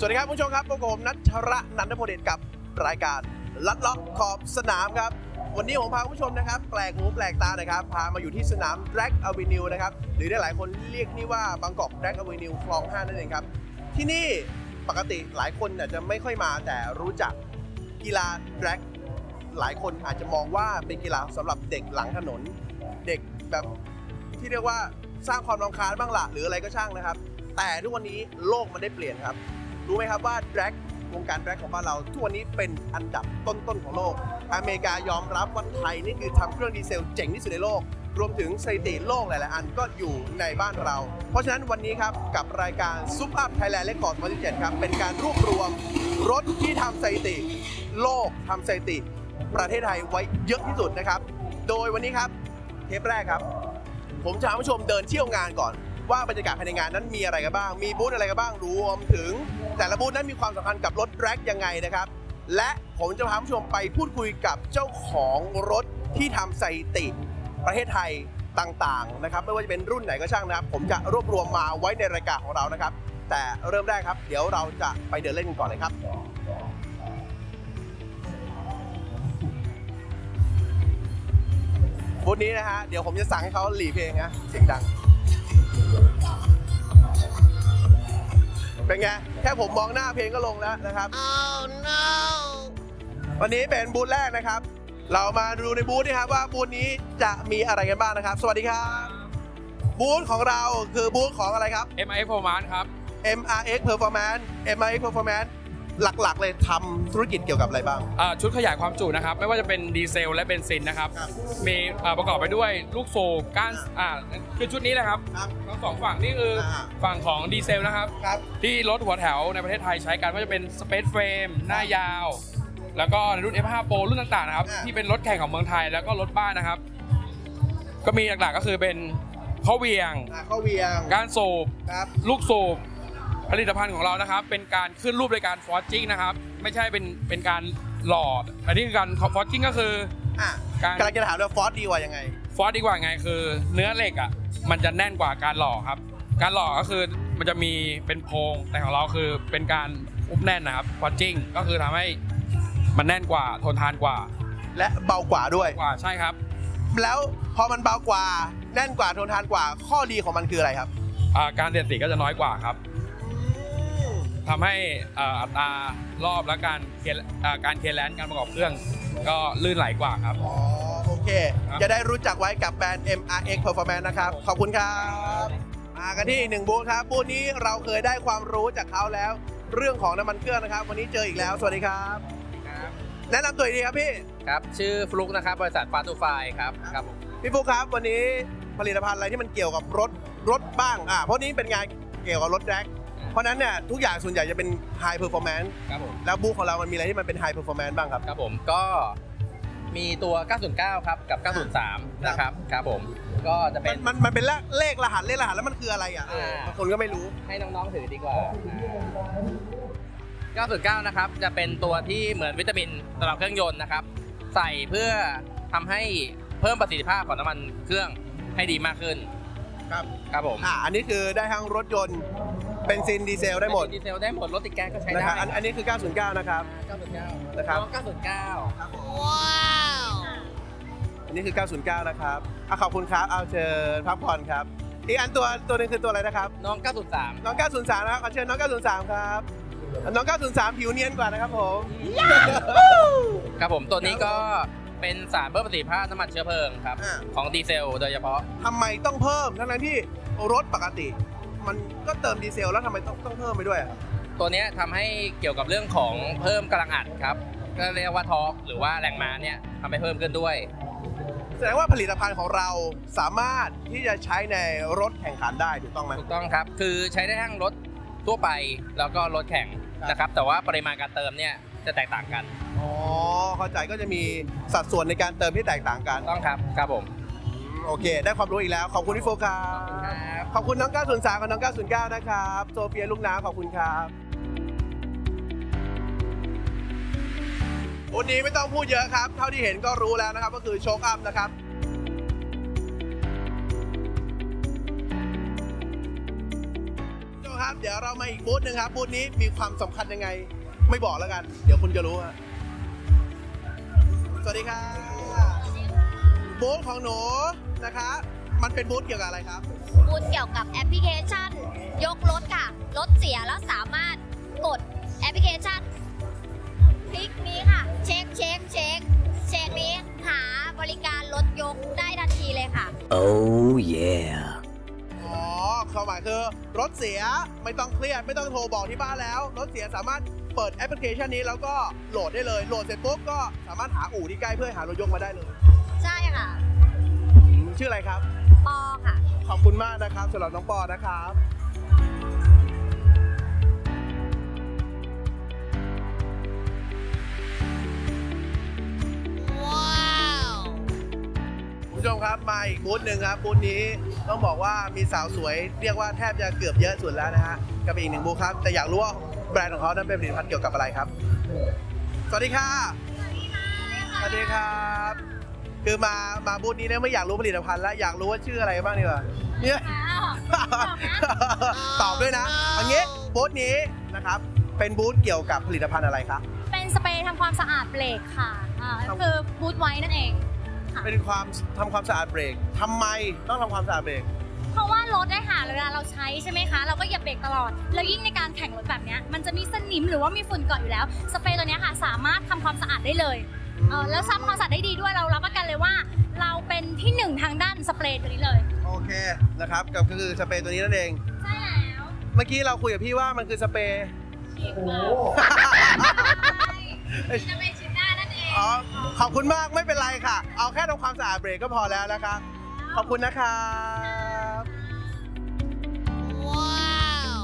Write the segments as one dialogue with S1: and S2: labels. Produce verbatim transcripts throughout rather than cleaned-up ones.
S1: สวัสดีครับผู้ชมครับพบกับผมนัชระนันทพลเดชกับรายการลัดเลาะขอบสนามครับวันนี้ผมพาผู้ชมนะครับแปลกหูแปลกตานะครับพามาอยู่ที่สนาม Drag Avenue นะครับหรือได้หลายคนเรียกนี่ว่าบางกอก Drag Avenue คลองห้านั่นเองครับที่นี่ปกติหลายคนอาจจะไม่ค่อยมาแต่รู้จักกีฬา Drag หลายคนอาจจะมองว่าเป็นกีฬาสำหรับเด็กหลังถนนเด็กแบบที่เรียกว่าสร้างความรำคาญบ้างละหรืออะไรก็ช่างนะครับแต่ทุกวันนี้โลกมันได้เปลี่ยนครับรู้ไหมครับว่า Drag วงการ Drag ของบ้านเราทุกวันนี้เป็นอันดับต้นๆของโลกอเมริกายอมรับว่าไทยนี่คือทำเครื่องดีเซลเจ๋งที่สุดในโลกรวมถึงสถิติโลกหลายๆอันก็อยู่ในบ้านเราเพราะฉะนั้นวันนี้ครับกับรายการซุปอัพไทยแลนด์เรคคอร์ดสองพันสิบเจ็ดครับเป็นการรวบรวมรถที่ทำสถิติโลกทำสถิติประเทศไทยไว้เยอะที่สุดนะครับโดยวันนี้ครับเทปแรกครับผมจะพาผู้ชมเดินเที่ยวงานก่อนว่าบรรยากาศภายในงานนั้นมีอะไรกันบ้างมีบูธอะไรกันบ้างรวมถึงแต่ละบูธนั้นมีความสำคัญกับรถแดร็กยังไงนะครับและผมจะพาผู้ชมไปพูดคุยกับเจ้าของรถที่ทำสถิติประเทศไทยต่างๆนะครับไม่ว่าจะเป็นรุ่นไหนก็ช่างนะครับผมจะรวบรวมมาไว้ในรายการของเรานะครับแต่เริ่มแรกครับเดี๋ยวเราจะไปเดินเล่นกันก่อนเลยครับบูธนี้นะฮะเดี๋ยวผมจะสั่งให้เขาหลีเพลงนะเสียงดังเป็นไงแค่ผมมองหน้าเพลงก็ลงแล้วนะครับ oh, no. วันนี้เป็นบูธแรกนะครับเรามาดูในบูธนี่ครับว่าบูธนี้จะมีอะไรกันบ้างนะครับสวัสดีครับบูธของเราคือบูธของอะไรครับ
S2: เอ็ม อาร์ เอ็กซ์ Performance ครับ
S1: เอ็ม อาร์ เอ็กซ์ Performance เอ็ม อาร์ เอ็กซ์ Performance หลักๆเลยทำธุรกิจเกี่ยวกับอะไรบ้าง
S2: ชุดขยายความจุนะครับไม่ว่าจะเป็นดีเซลและเบนซินนะครับมีประกอบไปด้วยลูกสูบก้านคือชุดนี้แหละครับทั้งสองฝั่งนี่คือฝั่งของดีเซลนะครับที่รถหัวแถวในประเทศไทยใช้กันว่าจะเป็นสเปซเฟรมหน้ายาวแล้วก็ในรุ่น เอฟ ห้า Pro รุ่นต่างๆนะครับที่เป็นรถแข่งของเมืองไทยแล้วก็รถบ้านนะครับก็มีหลักๆก็คือเป็นข้อเวียง
S1: ข้อเวียง
S2: ก้านสูบลูกสูบผลิตภัณฑ์ของเรานะครับเป็นการขึ้นรูปในการฟอร์จิ้งนะครับไม่ใช่เป็นเป็นการหล่ออันนี้คือการฟอร์จิ้งก็คือ
S1: การกำลังจะถามว่าฟอร์ดีกว่ายังไง
S2: ฟอร์ดีกว่าไงคือเนื้อเหล็กอ่ะมันจะแน่นกว่าการหล่อครับการหล่อก็คือมันจะมีเป็นโพรงแต่ของเราคือเป็นการอุบแน่นนะครับฟอร์จิ้งก็คือทำให้มันแน่นกว่าทนทานกว่า
S1: และเบากว่าด้วย
S2: กว่าใช่ครับ
S1: แล้วพอมันเบากว่าแน่นกว่าทนทานกว่าข้อดีของมันคืออะไรครับ
S2: การเสียดสีก็จะน้อยกว่าครับทำให้อัตรารอบและการการเคลียร์แลนด์การประกอบเครื่องก็ลื่นไหลกว่าครับ
S1: อ๋อโอเคจะได้รู้จักไว้กับแบรนด์ เอ็ม อาร์ เอ็กซ์ Performance นะครับขอบคุณครับมากันที่อีกหนึ่งบูธครับบูธนี้เราเคยได้ความรู้จากเขาแล้วเรื่องของน้ำมันเครื่องนะครับวันนี้เจออีกแล้วสวัสดีครับแนะนำตัวดีครับพี่
S3: ครับชื่อฟลุกนะครับบริษัทฟาตูไฟครับครับ
S1: พี่ฟลุกครับวันนี้ผลิตภัณฑ์อะไรที่มันเกี่ยวกับรถรถบ้างอ่าเพราะนี้เป็นงานเกี่ยวกับรถแดร็กเพราะนั้นเนี่ยทุกอย่างส่วนใหญ่จะเป็น High Performance
S3: ครับผม
S1: แล้วบูธของเรามันมีอะไรที่มันเป็น High Performance บ้างครับ
S3: ครับผมก็มีตัวเก้าศูนย์เก้าครับกับเก้าศูนย์สามนะครับครับผมก็จะเป็น
S1: มันมันเป็นเลขรหัสเลขรหัสแล้วมันคืออะไรอ่ะบางคนก็ไม่รู้
S3: ให้น้องๆถือดีกว่าเก้าศูนย์เก้านะครับจะเป็นตัวที่เหมือนวิตามินสำหรับเครื่องยนต์นะครับใส่เพื่อทำให้เพิ่มประสิทธิภาพของน้ำมันเครื่องให้ดีมากขึ้น
S1: ครับ
S3: ครับผม
S1: อ่าอันนี้คือได้ทั้งรถยนต์เบนซินดีเซลได้หมด
S3: ดีเซลได้หมดรถติดแก๊สก็ใช้ได้
S1: อันนี้คือเก้าศูนย์เก้านะครับ
S3: เก้าศูนย์เก้า
S1: นะครับ
S3: เก้าศูนย์เก้า
S1: ว้าวอันนี้คือเก้าศูนย์เก้านะครับอ่ะขอบคุณครับเอาเชิญพักผ่อนครับอีกอันตัวตัวนึงคือตัวอะไรนะครับ
S3: น้องเก้าศูนย์สาม
S1: น้องเก้าศูนย์สามนะครับขอเชิญน้องเก้าศูนย์สามครับน้องเก้าศูนย์สามผิวเนียนกว่านะครับผม
S3: ครับผมตัวนี้ก็เป็นสารเพิ่มประสิทธิภาพน้ำมันเชื้อเพลิงครับของดีเซลโดยเฉพาะ
S1: ทำไมต้องเพิ่มทั้งที่รถปกติมันก็เติมดีเซลแล้วทำไมต้องต้องเพิ่มไปด้วย
S3: ตัวนี้ทำให้เกี่ยวกับเรื่องของเพิ่มกำลังอัดครับก็เรียกว่าทอร์กหรือว่าแรงม้าเนี่ยทำให้เพิ่มขึ้นด้วย
S1: แสดงว่าผลิตภัณฑ์ของเราสามารถที่จะใช้ในรถแข่งขันได้ถูกต้องไหม
S3: ถูกต้องครับคือใช้ได้ทั้งรถทั่วไปแล้วก็รถแข่งนะครับแต่ว่าปริมาณการเติมเนี่ยจะแตกต่างกัน
S1: อ๋อเข้าใจก็จะมีสัดส่วนในการเติมที่แตกต่างกัน
S3: ต้องครับครับผม
S1: โอเคได้ความรู้อีกแล้วขอบคุณพี่โฟกัสขอบคุณน้องเก้าศูนย์สามกับน้องเก้าศูนย์เก้านะครับโซเฟียลูกน้ำขอบคุณครับวันนี้ไม่ต้องพูดเยอะครับเท่าที่เห็นก็รู้แล้วนะครับก็คือโชคอัพนะครับโชคครับเดี๋ยวเรามาอีกบูธหนึ่งครับบูธนี้มีความสำคัญยังไงไม่บอกแล้วกันเดี๋ยวคุณจะรู้ฮะสวัสดีครับบูธของหนูนะครับมันเป็นบูธเกี่ยวกับอะไรครับ
S4: บูธเกี่ยวกับแอปพลิเคชันยกรถค่ะรถเสียแล้วสามารถกดแอปพลิเคชันคลิกนี้ค่ะเช็คเช็คเช็คเช็คนี้หาบริการรถยกได้ทันทีเลยค่ะ
S5: Oh yeah
S1: อ๋อความหมายคือรถเสียไม่ต้องเครียดไม่ต้องโทรบอกที่บ้านแล้วรถเสียสามารถเปิดแอปพลิเคชันนี้แล้วก็โหลดได้เลยโหลดเสร็จปุ๊บก็สามารถหาอู่ที่ใกล้เพื่อหารถยกมาได้เลย
S4: ใช่ค่ะ
S1: ชื่ออะไรครับ
S4: ปอค่ะ
S1: ขอบคุณมากนะครับสำหรับน้องปอนะครับคุณผู้ชมครับมาอีกบูธหนึ่งครับบูธนี้ต้องบอกว่ามีสาวสวยเรียกว่าแทบจะเกือบเยอะสุดแล้วนะฮะกับอีกหนึ่งบูธครับแต่อยากรู้ว่าแบรนด์ของเขานั้นเป็นผลิตภัณฑ์เกี่ยวกับอะไรครับสวัสดีค่ะสวัสดีครับคือมามาบูธนี้เนี่ยไม่อยากรู้ผลิตภัณฑ์แล้วอยากรู้ว่าชื่ออะไรบ้างดีกว่าเนี่ยตอบด้วยนะอันนี้บูธนี้นะครับเป็นบูธเกี่ยวกับผลิตภัณฑ์อะไรครับ
S6: เป็นสเปรย์ทำความสะอาดเบรกค่ะอ่าก็คือบูธไว้นั่นเอง
S1: เป็นความทำความสะอาดเบรกทำไมต้องทำความสะอาดเบรก
S6: เพราะว่ารถได้ค่ะเวลาเราใช้ใช่ไหมคะเราก็เหยียบเบรกตลอดแล้วยิ่งในการแข่งรถแบบนี้มันจะมีสนิมหรือว่ามีฝุ่นเกาะอยู่แล้วสเปรย์ตัวนี้ค่ะสามารถทำความสะอาดได้เลยเออแล้วทำความสะอาดได้ดีด้วยเรารับประกันเลยว่าเราเป็นที่หนึ่งทางด้านสเปรย์ตัวนี้เลย
S1: โอเคนะครับก็คือสเปรย์ตัวนี้นั่นเอง
S6: ใช่แล้ว
S1: เมื่อกี้เราคุยกับพี่ว่ามันคือสเปรย์
S6: ฉีดมาจะเป็นฉีดหน้านั่นเอง
S1: อ๋อขอบคุณมากไม่เป็นไรค่ะเอาแค่ทำความสะอาดเบรกก็พอแล้วนะครับขอบคุณนะครับว้าว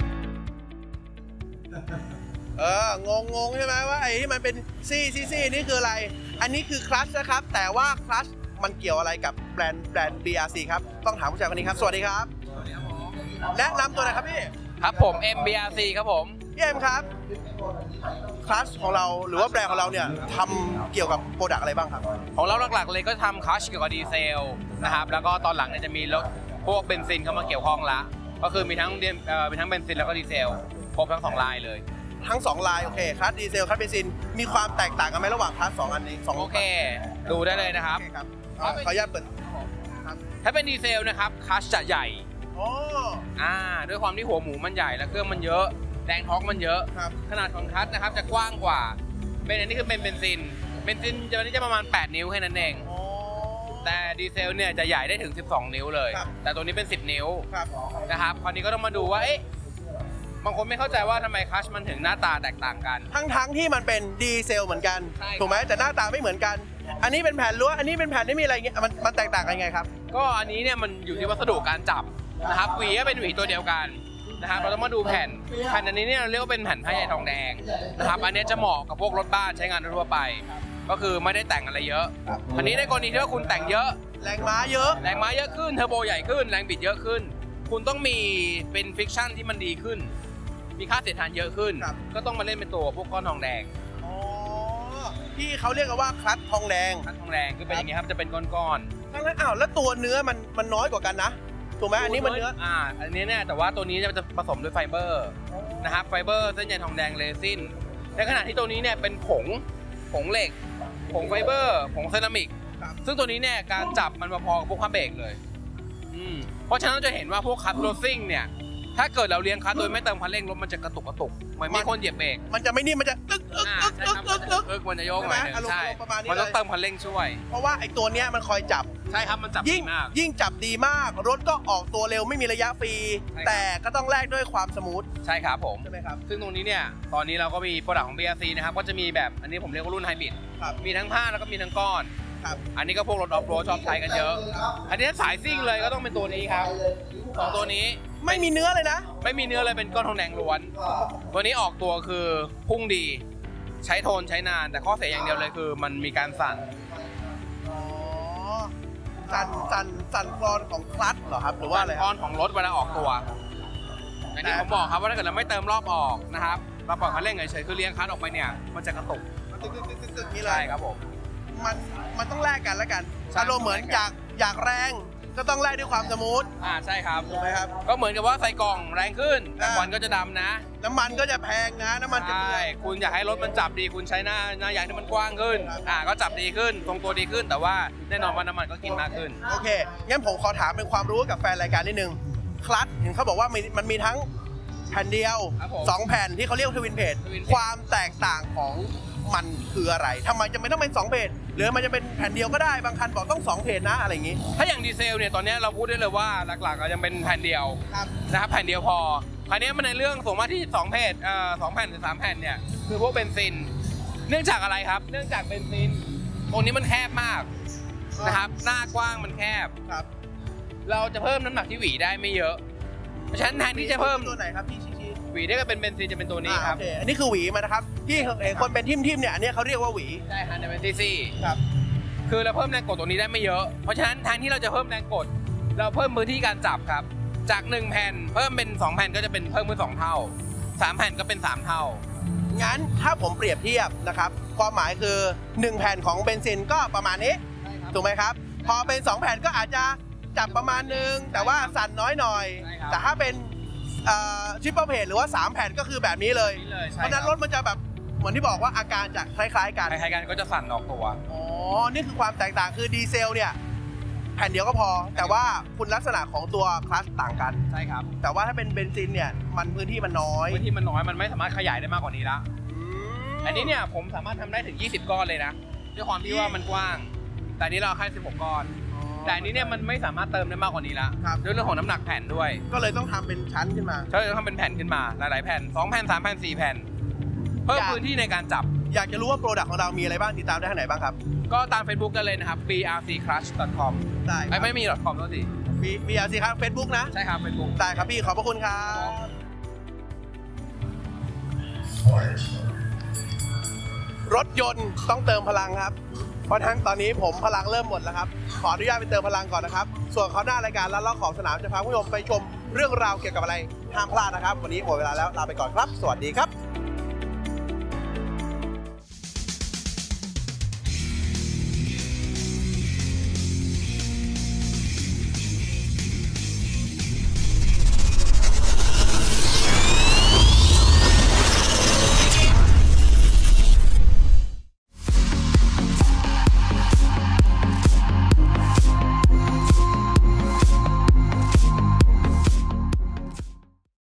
S1: เอองงงงใช่ไหมว่าไอ้ที่มันเป็นซี่ซี่ซี่นี่คืออะไรอันนี้คือคลัชนะครับแต่ว่าคลัชมันเกี่ยวอะไรกับแบรนด์แบรนด์ บี อาร์ ซี ครับต้องถามผู้ชายคนนี้ครับสวัสดีครับแนะนำตัวหน่อยครับพี่
S3: ครับผม เอ็ม บี อาร์ ซี ครับผม
S1: พี่เอ็มครับคลัชของเราหรือว่าแบรนด์ของเราเนี่ยทำเกี่ยวกับโปรดักต์อะไรบ้างครับ
S3: ของเราหลักๆเลยก็ทำคลัชเกี่ยวกับดีเซลนะครับแล้วก็ตอนหลังเนี่ยจะมีรถพวกเบนซินเข้ามาเกี่ยวข้องละก็คือมีทั้งเอ่อมีทั้งเบนซินแล้วก็ดีเซลครบทั้งสองลายเลย
S1: ทั้งสองลายโอเคคลัชดีเซลคลัชเบนซินมีความแตกต่างกันไหมระหว่างคลัชสองอันนี้สอง
S3: โอเคดูได้เลยนะครับ
S1: ขออนุญาตเปิด
S3: ถ้าเป็นดีเซลนะครับคลัชจะใหญ่
S1: อ๋อ
S3: อ่าด้วยความที่หัวหมูมันใหญ่และเครื่องมันเยอะแรงท็อร์กมันเยอะขนาดของคลัชนะครับจะกว้างกว่าเป็นอันนี้คือเป็นเบนซินเบนซินจะนี้จะประมาณแปดนิ้วแค่นั้นเองแต่ดีเซลเนี่ยจะใหญ่ได้ถึงสิบสองนิ้วเลยแต่ตัวนี้เป็นสิบนิ้วนะครับคราวนี้ก็ต้องมาดูว่าเอ๊ะบางคนไม่เข้าใจว่าทำไมคลัชมันถึงหน้าตาแตกต่างกัน
S1: ทั้งทั้งที่มันเป็นดีเซลเหมือนกันถูกไหมแต่หน้าตาไม่เหมือนกันอันนี้เป็นแผ่นล้วนอันนี้เป็นแผ่นที่มีอะไรเงี้ยมันมันแตกต่างกันยังไงครับ
S3: ก็อันนี้เนี่ยมันอยู่ที่วัสดุการจับนะครับหวีก็เป็นหวีตัวเดียวกันนะครับเราต้องมาดูแผ่นแผ่นอันนี้เนี่ยเรียกว่าเป็นแผ่นผ้าใยทองแดงนะครับอันนี้จะเหมาะกับพวกรถบ้านใช้งานทั่วไปก็คือไม่ได้แต่งอะไรเยอะอันนี้ในกรณีที่ว่าคุณแต่งเยอะ
S1: แรงม้าเยอะ
S3: แรงม้าเยอะขึ้นเทอร์โบใหญ่ขึ้นแรงบิดเยอะขึ้นคุณต้องมีเป็นฟิกชันที่มันดีขึ้นมีค่าเสียดทานเยอะขึ้นก็ต้องมาเล่นเป็นตัวพวกก้อนทองแดง
S1: อ๋อที่เขาเรียกกันว่าคลัตช์ทองแดง
S3: คลัตช์ทองแดงคือเป็นอย่างงี้ครับจะเป็นก้อน
S1: ๆทั้งนั้นอ้าวแล้วตัวเนื้อมันมันน้อยกว่ากันนะถูกไหมอันนี้มันเนื้อ
S3: อ่าอันนี้เนี่ยแต่ว่าตัวนี้จะผสมด้วยไฟเบอร์นะครับไฟเบอร์เส้นใยทองแดงเรซินในขณะที่ตัวนี้เนี่ยเป็นผงผงเหล็กผงไฟเบอร์ผงเซรามิกซึ่งตัวนี้เนี่ยการจับมันพอๆกับพวกคัสเบรกเลยอืมเพราะฉะนั้นเราจะเห็นว่าพวกคัสโรซิ่งเนี่ยถ้าเกิดเราเลี้ยงคัสโดยไม่เติมคันเร่งรถมันจะกระตุกกระตุกเหมือนมีคนเหยียบเบรก
S1: มันจะไม่นิ่มมันจะตึ๊กตึ๊กตึ๊กตึ๊กตึ๊กตึ๊ก
S3: ตึ๊กมันจะโยกหน่อยนึงใช่มันต้องเติมคันเร่งช่วย
S1: เพราะว่าไอ้ตัวเนี้ยมันคอยจับ
S3: ใช่ครับมันจับ
S1: ยิ่งยิ่งจับดีมากรถก็ออกตัวเร็วไม่มีระยะฟรีแต่ก็ต้องแลกด้วยความสมูท
S3: ใช่ครับผม
S1: ใช่ไหมครับ
S3: ซึ่งตรงนี้เนี่ยตอนนี้เราก็มีโปรดักต์ของ บี อาร์ ซี นะครับก็จะมีแบบอันนี้ผมเรียกว่ารุ่นไฮบริดมีทั้งผ้าแล้วก็มีทั้งก้อนอันนี้ก็พวกรถออฟโรดชอบใช้กันเยอะอันนี้สายซิ่งเลยก็ต้องเป็นตัวนี้ครับสองตัวนี้
S1: ไม่มีเนื้อเลยนะ
S3: ไม่มีเนื้อเลยเป็นก้อนทองแดงล้วนตัวนี้ออกตัวคือพุ่งดีใช้ทนใช้นานแต่ข้อเสียอย่างเดียวเลยคือมันมีการสั่น
S1: อ๋อสั่นสั่นสั่นคลอนของคลัตช์เหรอครับหรือว่าอะไร
S3: คลอนของรถเวลาออกตัวอย่างที่ผมบอกครับว่าถ้าเกิดเราไม่เติมรอบออกนะครับเราปล่อยคันเร่งเฉยๆคือเลี้ยงคลัตช์ออกไปเนี่ยมันจะกระตุก
S1: ตึ๊กตึ๊กตึ๊กตึ๊กนี่เลย
S3: ใช่ครับผม
S1: มันมันต้องแลกกันแล้วกันอารมณ์เหมือนอยากอยากแรงก็ต้องไล่ด้วยความสมูท
S3: อ่าใช่ครับ
S1: ถูกไหมครับ
S3: ก็เหมือนกับว่าใส่กล่องแรงขึ้นแต่ควันก็จะดำนะ
S1: น้ำมันก็จะแพงนะน้ำมันจะ
S3: ใช่คุณอยากให้รถมันจับดีคุณใช้หน้าหน้ายางที่มันกว้างขึ้นอ่าก็จับดีขึ้นทรงตัวดีขึ้นแต่ว่าแน่นอนว่าน้ำมันก็กินมากขึ้น
S1: โอเคงั้นผมขอถามเป็นความรู้กับแฟนรายการนิดนึงคลัตช์เห็นเขาบอกว่ามันมีทั้งแผ่นเดียวสองแผ่นที่เขาเรียกทวินเพจความแตกต่างของมันคืออะไรทำไมจะไม่ต้องเป็นสองเพจหรือมันจะเป็นแผ่นเดียวก็ได้บางคันบอกต้องสองเพจนะอะไรอย่างนี้
S3: ถ้าอย่างดีเซลเนี่ยตอนนี้เราพูดได้เลยว่าหลักๆก็ยังเป็นแผ่นเดียวนะครับแผ่นเดียวพอคราวนี้มันในเรื่องส่งมาที่สองเพจเอ่อสองแผ่นหรือสามแผ่นเนี่ยคือพวกเบนซินเนื่องจากอะไรครับเนื่องจากเบนซินตรงนี้มันแคบมากนะครับหน้ากว้างมันแคบ
S1: ครับ
S3: เราจะเพิ่มน้ำหนักที่หวีได้ไม่เยอะเพราะฉะนั้นแทนที่จะเพิ่ม
S1: ตัวไหนครับพี่ชี้
S3: หวีได้ก็เป็นเบนซินจะเป็นตัวนี้ครับ
S1: อันนี้คือหวีมานะครับที่เห็นคนเป็นทิ่มทิ่มเนี่ยอันนี้เขาเรียกว่าหวี
S3: ใช่ฮะเป็นซีซี
S1: ครับ
S3: คือเราเพิ่มแรงกดตัวนี้ได้ไม่เยอะเพราะฉะนั้นแทนที่เราจะเพิ่มแรงกดเราเพิ่มพื้นที่การจับครับจากหนึ่งแผ่นเพิ่มเป็นสองแผ่นก็จะเป็นเพิ่มเป็นสองเท่าสามแผ่นก็เป็นสามเท่า
S1: งั้นถ้าผมเปรียบเทียบนะครับความหมายคือหนึ่งแผ่นของเบนซินก็ประมาณนี้ถูกไหมครับพอเป็นสองแผ่นก็อาจจะจับประมาณนึงแต่ว่าสั่นน้อยหน่อยแต่ถ้าเป็นทริปเปิลเพจหรือว่าสามแผ่นก็คือแบบนี้เลยเพราะนั้นรถมันจะแบบเหมือนที่บอกว่าอาการจะคล้ายๆกัน
S3: คล้ายๆกันก็จะสั่นออกตัว
S1: อ๋อนี่คือความแตกต่างคือดีเซลเนี่ยแผ่นเดียวก็พอแต่ว่าคุณลักษณะของตัวคลัตช์ต่างกัน
S3: ใช่ครับ
S1: แต่ว่าถ้าเป็นเบนซินเนี่ยมันพื้นที่มันน้อย
S3: พื้นที่มันน้อยมันไม่สามารถขยายได้มากกว่านี้ละอันนี้เนี่ยผมสามารถทำได้ถึงยี่สิบก้อนเลยนะด้วยความที่ว่ามันกว้างแต่นี้เราแค่สิบหกก้อนแต่อันนี้เนี่ยมันไม่สามารถเติมได้มากกว่านี้ละด้วยเรื่องของน้ำหนักแผ่นด้วย
S1: ก็เลยต้องทำเป็นชั้นขึ้นมา
S3: ใช่ต้องทำเป็นแผ่นขึ้นมาหลายๆแผ่นสองแผ่นสามแผ่นสี่แผ่นเพิ่มพื้นที่ในการจับ
S1: อยากจะรู้ว่าโปรดักต์ของเรามีอะไรบ้างติดตามได้ทางไหนบ้างครับ
S3: ก็ตาม Facebook กันเลยนะครับ บี อาร์ ซี คลัตช์ ดอท คอม
S1: ได้
S3: ไม่มี .com แล้วสิ
S1: บี อาร์ ซี ครับ Facebook นะ
S3: ใช่ครับ Facebook
S1: ได้ครับพี่ขอบพระคุณครับรถยนต์ต้องเติมพลังครับเพราะทั้งตอนนี้ผมพลังเริ่มหมดแล้วครับขออนุญาตไปเติมพลังก่อนนะครับส่วนเขาหน้ารายการแล้วล็อกของสนามจะพาผู้ชมไปชมเรื่องราวเกี่ยวกับอะไรห้ามพลาดนะครับวันนี้หมดเวลาแล้วลาไปก่อนครับสวัสดีครับ